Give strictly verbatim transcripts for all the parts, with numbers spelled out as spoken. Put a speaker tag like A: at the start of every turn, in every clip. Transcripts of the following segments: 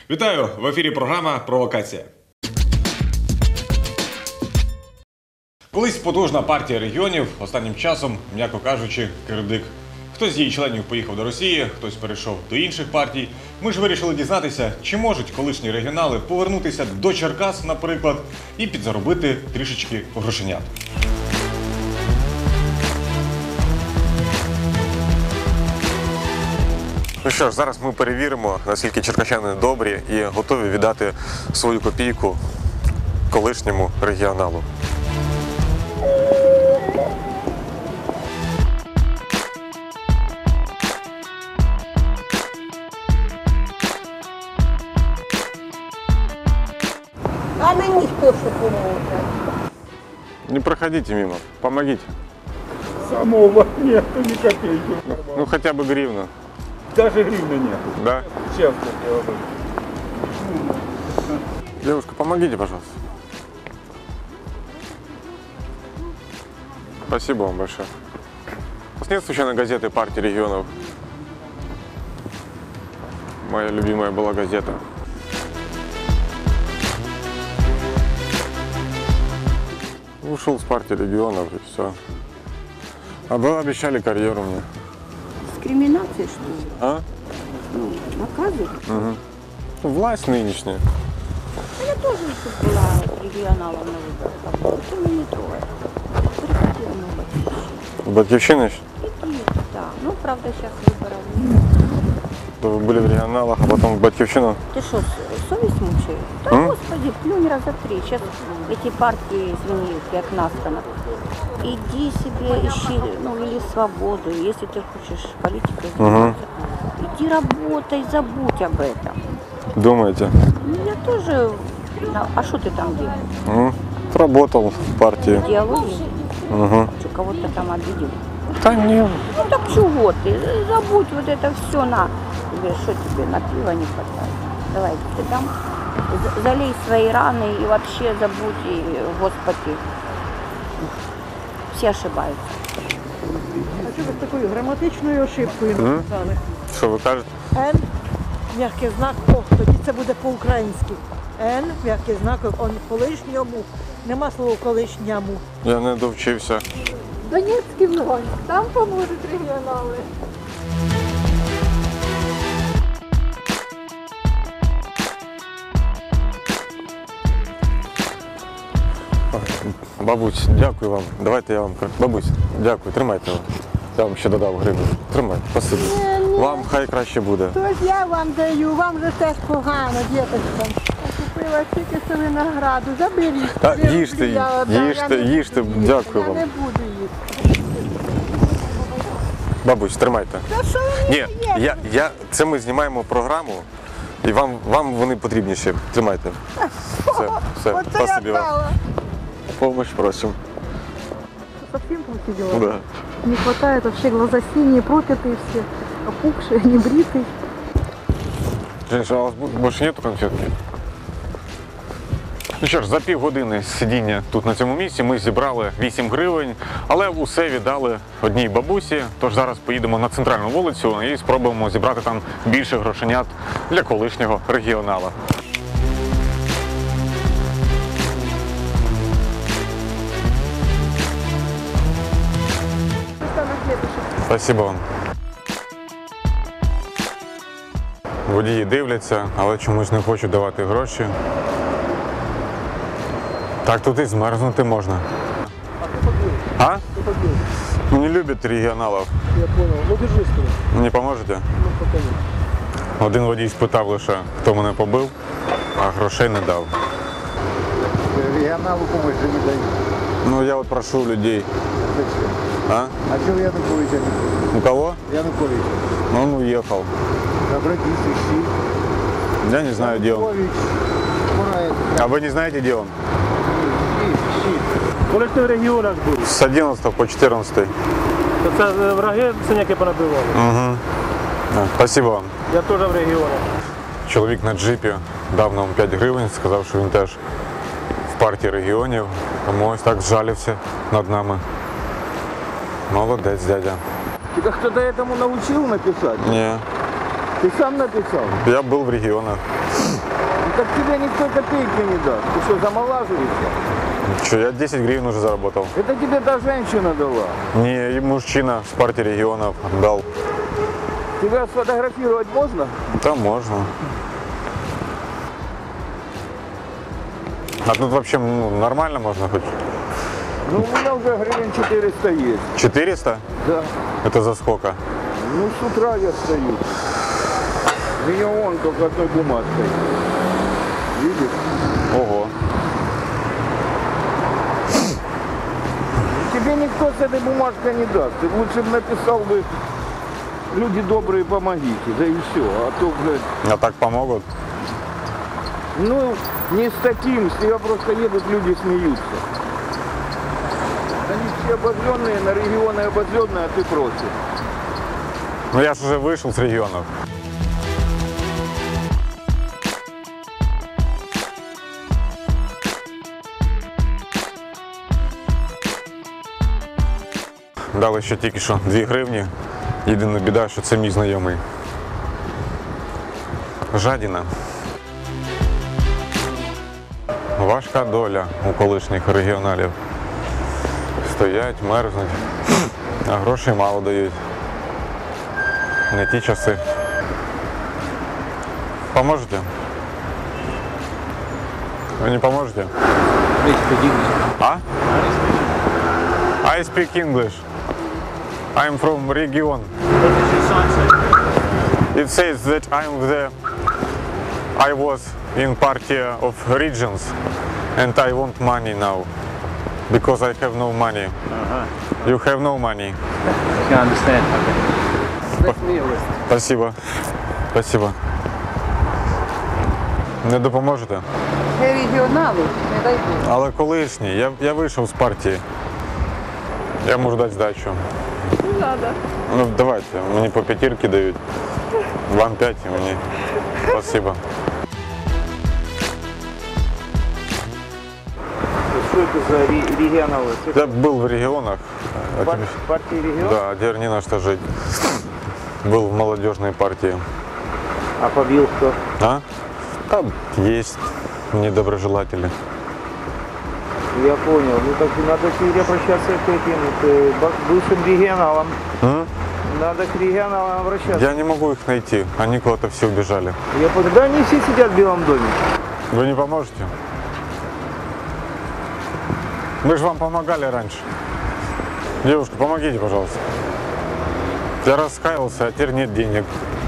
A: Вітаю! В ефірі програма «Провокація». Колись потужна партія регіонів, останнім часом, м'яко кажучи, кирдик. Хтось з її членів поїхав до Росії, хтось перейшов до інших партій. Ми ж вирішили дізнатися, чи можуть колишні регіонали повернутися до Черкас, наприклад, і підзаробити трішечки грошенят. Ну що ж, зараз ми перевіримо, наскільки черкащани добрі і готові віддати свою копійку колишньому регіоналу.
B: А мені хто що поможе?
A: Не проходите мимо, помогите.
C: Самого нету ни копейки.
A: Ну хотя бы гривну.
C: Даже гривны нету.
A: Да?
C: Честно говорю.
A: Девушка, помогите, пожалуйста. Спасибо вам большое. У вас нет случайно газеты партии регионов? Моя любимая была газета. Ушел с партии регионов и все. А вы обещали карьеру мне.
B: Дискриминация, что ли?
A: А?
B: Ну, наказывают.
A: Угу. Ну, власть нынешняя.
B: А я тоже тут была регионалом на выборах. Это меня не трогает. Приходила на Батьковщину.
A: Батьковщина еще?
B: Да, ну, правда, сейчас выборов нет.
A: Вы были в регионалах, а потом в Батьковщину?
B: Ты что, совесть мучает? Да,
A: М?
B: господи, плюнь раза три. Сейчас эти партии, извини, как Наскана. Иди себе, ищи, ну, или свободу, если ты хочешь политикой заниматься. Иди работай, забудь об этом.
A: Думаете?
B: Ну, я тоже... на- А что ты там делал?
A: М? Работал в партии.
B: Диалоги?
A: Угу.
B: Что, кого-то там обидел?
A: Да нет.
B: Ну так чего ты? Забудь вот это все на. Тебе что тебе на пиво не хватает? Давай, ты там за- залей свои раны и вообще забудь, и, Господи. Все ошибаются.
D: А що ви з такою граматичною ошибкою написали?
A: Що ви кажете?
D: Н, м'який знак О, тоді це буде по-українськи. Н, м'який знак О, колишньому. Нема слова колишньому.
A: Я не довчився.
E: Донецький вогонь, там поможуть регіонали.
A: Бабусь, дякую вам. Давайте я вам. Бабусь, дякую, тримайте вам. Я вам ще додав гривню. Тримайте, спасибі. Вам хай краще буде.
D: Тож я вам даю, вам же теж погано, діточкам.
E: Купила тільки що винограду, заберіть.
A: Та
E: Дві
A: їжте,
E: рублі я віддам,
A: їжте,
E: я не
A: їжте,
E: буду їсти,
A: дякую
E: Я
A: вам.
E: не буду їсти.
A: Бабусь, тримайте.
D: Та що ви
A: Ні, я, я, це ми знімаємо програму, і вам, вам вони потрібніші. Тримайте. Все, все,
D: Оце я
A: спасибі вам.
D: дала.
A: Помощь просим.
E: Совсем плохие дела.
A: Да.
E: Не хватает вообще, глаза синие, проклятые все, опухшие, небритые.
A: Женщина, а у вас бу- більше нету конфетки? Ну що ж, за півгодини сидіння тут на цьому місці ми зібрали вісім гривень, але усе віддали одній бабусі, тож зараз поїдемо на центральну вулицю і спробуємо зібрати там більше грошенят для колишнього регіонала. Спасибо вам. Водії дивляться, але чомусь не хочуть давати гроші. Так тут і змерзнути можна. А? Ну, не любят регіоналів.
C: Я понял. Ну держи скорее.
A: Не поможете?
C: Ну пока нет.
A: Один водій спитав лише, хто мене побив, а грошей не дав.
F: Регионалу помощь же не дают.
A: Ну я от прошу людей.
F: Зачем?
A: А?
F: А чего Янукович не дают?
A: У кого?
F: Янукович.
A: Ну, он уехал.
F: Обратись, ищи.
A: Я не знаю, где он.
F: Янукович. Мураев.
A: А вы не знаете, где он?
F: Ищи, ищи.
C: Коли ти в регіонах був,
A: С одиннадцатого по четырнадцатый.
C: то це е, враги синяки понабивали.
A: Угу. Спасибо вам.
C: Я теж в регіонах.
A: Чоловік на джипі дав нам п'ять гривень, сказав, що він теж в партії регіонів, тому ось так зжалився над нами. Молодець, дядя.
F: Тебя кто-то этому научил написать?
A: Ні.
F: Ты сам написал?
A: Я был в регионах.
F: Так тебе никто копейки не даст. Ты что, замолаживаешься?
A: Че, я десять гривен уже заработал.
F: Это тебе та женщина дала.
A: Не, и мужчина с партии регионов дал.
F: Тебя сфотографировать можно?
A: Там можно. А тут вообще ну, нормально можно хоть?
F: Ну, у меня уже гривен четыреста есть.
A: четыреста?
F: Да.
A: Это за сколько?
F: Ну, с утра я стою. Меня вон только одной бумажкой. Видишь?
A: Ого.
F: Тебе никто с этой бумажкой не даст. Ты лучше бы написал бы «Люди добрые, помогите». Да и все. А то, блядь,
A: А так помогут?
F: ну, не с таким. С тебя просто едут, люди смеются. Они все обозленные, на регионы обозленные, а ты против.
A: Ну я же уже вышел с регионов. Дали ще тільки що дві гривні. Єдина біда, що це мій знайомий. Жадіна. Важка доля у колишніх регіоналів. Стоять, мерзнуть, а грошей мало дають. Не ті часи. Поможете? Ви не поможете? А? I speak English. I'm from region. It says that I'm the I was in party of regions and I want money now because I have no money. You have no money.
C: I can understand. Okay.
A: Спасибо. Спасибо. Не допоможете?
E: Регіонали, не дай Бог.
A: Але колишній. Я, я вийшов з партії. Я можу дати здачу.
E: Не треба.
A: Ну давайте, мені по п'ятірки дають. Вам п'ять і мені. Спасибо.
C: Что это за регионалы?
A: Я был в регионах. А тебе-
C: Партии регионов?
A: Да, а теперь не на что жить. Был в молодежной партии.
C: А побил кто?
A: А? Там есть недоброжелатели.
C: Я понял. Ну так надо теперь обращаться к этим к ба- бывшим регионалам.
A: М?
C: Надо к регионалам обращаться.
A: Я не могу их найти. Они куда-то все убежали.
C: Я понял. Да они все сидят в Белом доме.
A: Вы не поможете? Мы же вам помогали раньше. Девушка, помогите, пожалуйста. Я раскаялся, а теперь нет денег.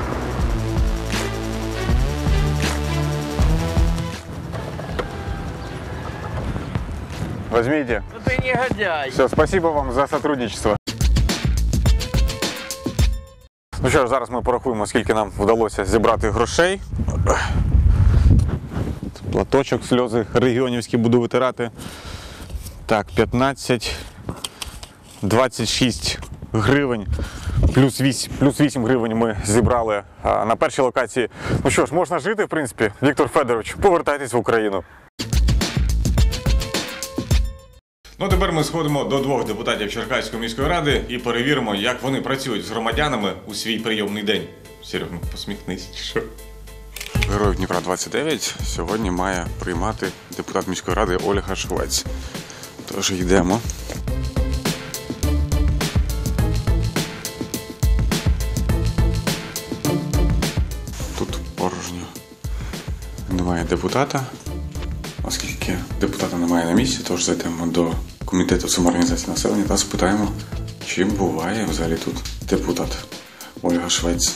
A: Возьмите.
C: Ну ты негодяй.
A: Все, спасибо вам за сотрудничество. Ну що ж, зараз ми порахуємо, скільки нам вдалося зібрати грошей. Платочок, сльози регіонівські буду витирати. Так, п'ятнадцять, двадцять шість гривень, плюс вісім, плюс вісім гривень ми зібрали а, на першій локації. Ну що ж, можна жити, в принципі. Віктор Федорович, повертайтесь в Україну. Ну, тепер ми сходимо до двох депутатів Черкаської міської ради і перевіримо, як вони працюють з громадянами у свій прийомний день. Серег, ну посміхнись, чи що? Героїв Дніпра двадцять дев'ять сьогодні має приймати депутат міської ради Ольга Швець. Тож йдемо. Тут порожньо. Немає депутата. Оскільки депутата немає на місці, тож зайдемо до комітету самоорганізації населення та спитаємо, чим буває взагалі тут депутат Ольга Швець.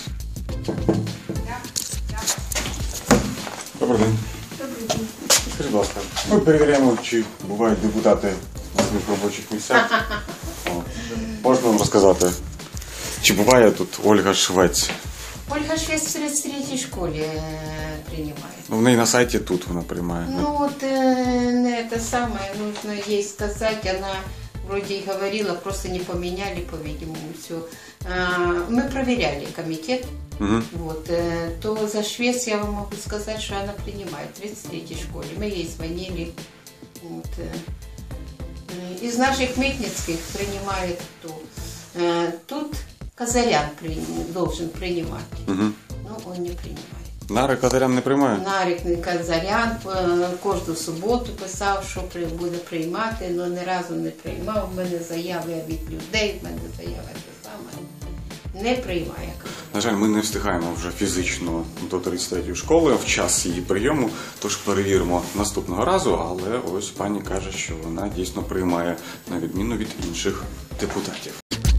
A: Добрий день. Добрий день. Скажіть, будь ласка, ми перевіряємо, чи бувають депутати на своїх робочих місцях. О, можна вам розказати, чи буває тут Ольга Швець?
G: Ольга Швец в тридцать третьей школе э, принимает.
A: Ну, в неї на сайті тут вона приймає.
G: Ну вот э, это самое нужно ей сказать. Она вроде и говорила, просто не поменяли, по-видимому, все. Мы проверяли комитет.
A: Угу.
G: Вот, э, то за Швец я вам могу сказать, что она принимает в тридцать третьей школе. Мы ей звонили. Вот, э, э, из наших митницких принимает кто? Э, тут Казарян при, должен принимать.
A: Угу.
G: Ну, он не принимает.
A: Нарик Казарян не приймає?
G: Нарік Казарян е, кожну суботу писав, що при- буде приймати, але ні разу не приймав. В мене заяви від людей, в мене заяви те саме. Не приймає.
A: На жаль, ми не встигаємо вже фізично до тридцять третьої школи в час її прийому, тож перевіримо наступного разу, але ось пані каже, що вона дійсно приймає, на відміну від інших депутатів.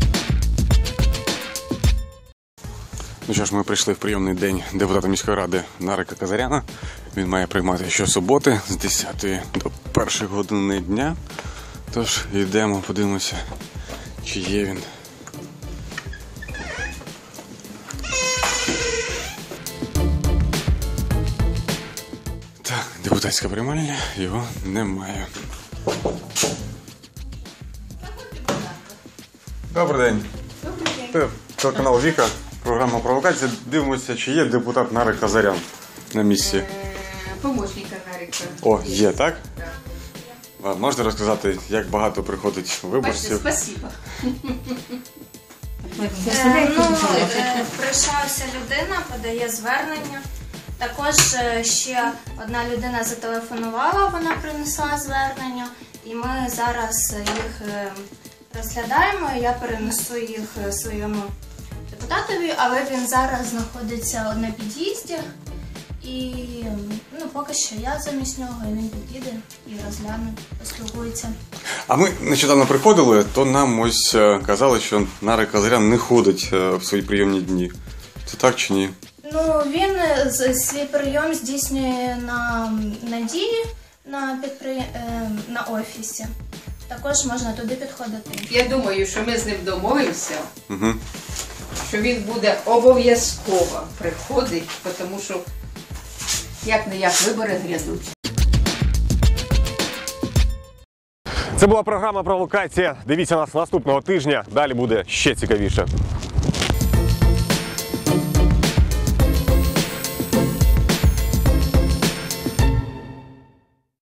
A: Ну що ж, ми прийшли в прийомний день депутата міської ради Нарика Казаряна. Він має приймати щосуботи з десятої до першої години дня. Тож йдемо, подивимося, чи є він. Так, депутатська приймальня, його немає. Добрий день. Добрий день. Телеканал Віка, програма «Провокація». Дивимося, чи є депутат Нарик Казарян на місці.
G: Помощника Нарика.
A: О, є, так? Так. Можете розказати, як багато приходить виборців?
G: Спасибо.
H: Е, ну, е, прийшла людина, подає звернення. Також е, ще одна людина зателефонувала, вона принесла звернення, і ми зараз їх е, розглядаємо. Я перенесу їх е, своєму депутатові, але він зараз знаходиться на під'їзді. І ну, поки що я замість нього, і він підійде і розгляне, поспілкується.
A: А ми нещодавно приходили, то нам ось е, казали, що Нарик Казарян не ходить е, в свої прийомні дні. Це так чи ні?
H: Ну, він е, з- свій прийом здійснює на Надії, на, підпри... е, на офісі. Також можна туди підходити.
G: Я думаю, що ми з ним домовимося,
A: Угу.
G: що він буде обов'язково приходити, тому що як не як вибори грядуть.
A: Це була програма «Провокація». Дивіться нас наступного тижня. Далі буде ще цікавіше.